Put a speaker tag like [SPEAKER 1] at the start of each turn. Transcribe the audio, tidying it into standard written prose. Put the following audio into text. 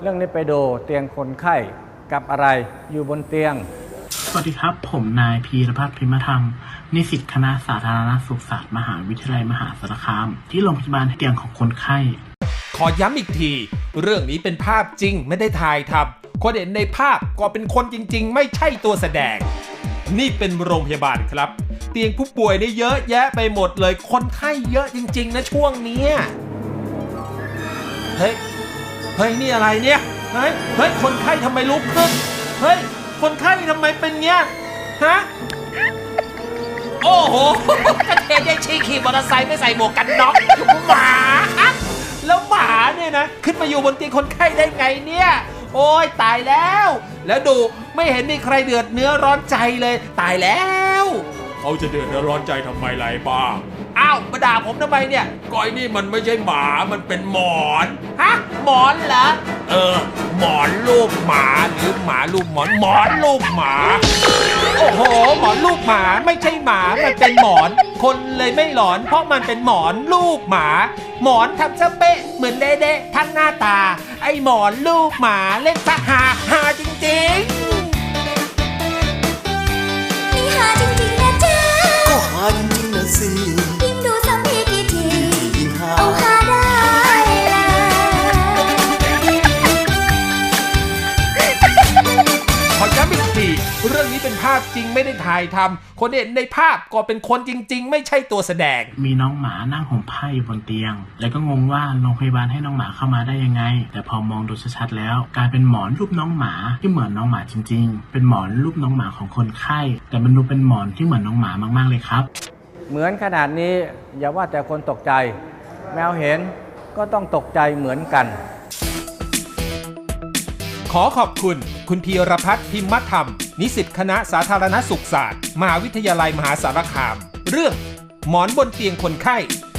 [SPEAKER 1] เรื่องนี้ไปดูเตียงคนไข้กับอะไรอยู่บนเตียง
[SPEAKER 2] สวัสดีครับผมนายพีรพัฒน์พิมธรรมนิสิตคณะสาธารณสุขศาสตร์มหาวิทยาลัยมหาสารคามที่โรงพยาบาลเตียงของคนไข้
[SPEAKER 3] ขอย้ำอีกทีเรื่องนี้เป็นภาพจริงไม่ได้ถ่ายทำคนเห็นในภาพก็เป็นคนจริงๆไม่ใช่ตัวแสดงนี่เป็นโรงพยาบาลครับเตียงผู้ป่วยได้เยอะแยะไปหมดเลยคนไข้เยอะจริงๆนะช่วงนี้เฮ้ยนี่อะไรเนี่ยเฮ้ยคนไข้ทำไมลุกขึ้นเฮ้ยคนไข้ทำไมเป็นเงี้ยฮะโอ้โหกระเทยได้ชี้ขี่มอเตอร์ไซค์ไม่ใส่หมวกกันน็อกหมาแล้วหมาเนี่ยนะขึ้นมาอยู่บนเตียงคนไข้ได้ไงเนี่ยโอ้ยตายแล้วดูไม่เห็นมีใครเดือดเนื้อร้อนใจเลยตายแล้วเขาจะเดือดเนื้อร้อนใจทำไมไรบ้างอ้าวมาด่าผมทำไมเนี่ยก้อยนี่มันไม่ใช่หมามันเป็นหมอนฮะหมอนเหรอหมอนรูปหมาหรือหมารูปหมอนหมอนรูปหมาโอ้โหหมอนรูปหมาไม่ใช่หมามันเป็นหมอนคนเลยไม่หลอนเพราะมันเป็นหมอนรูปหมาหมอนทำซะเป๊ะเหมือนเด๊ะๆทั้งหน้าตาไอ้หมอนรูปหมาเล่นซะฮาจริงๆ
[SPEAKER 4] นี่ฮาจริงๆนะจ๊ะ
[SPEAKER 5] ก็หาจริงๆนะสิ
[SPEAKER 4] ยิ่งดูซ้ำทีกี่ที
[SPEAKER 5] ยิ่งหา
[SPEAKER 4] เอาฮาได้แล้ว
[SPEAKER 3] ขอย้ำอีกทีเรื่องนี้เป็นภาพจริงไม่ได้ถ่ายทำคนเห็นในภาพก็เป็นคนจริงๆไม่ใช่ตัวแสดง
[SPEAKER 2] มีน้องหมานั่งห่มผ้าอยู่บนเตียงแล้วก็งงว่าโรงพยาบาลให้น้องหมาเข้ามาได้ยังไงแต่พอมองดูชัดๆแล้วกลายเป็นหมอนรูปน้องหมาที่เหมือนน้องหมาจริงๆเป็นหมอนรูปน้องหมาของคนไข้แต่มันดูเป็นหมอนที่เหมือนน้องหมามากๆเลยครับ
[SPEAKER 1] เหมือนขนาดนี้อย่าว่าแต่คนตกใจแมวเห็นก็ต้องตกใจเหมือนกัน
[SPEAKER 3] ขอขอบคุณพีรพัฒน์พิมธรรมนิสิตคณะสาธารณสุขศาสตร์มหาวิทยาลัยมหาสารคามเรื่องหมอนบนเตียงคนไข้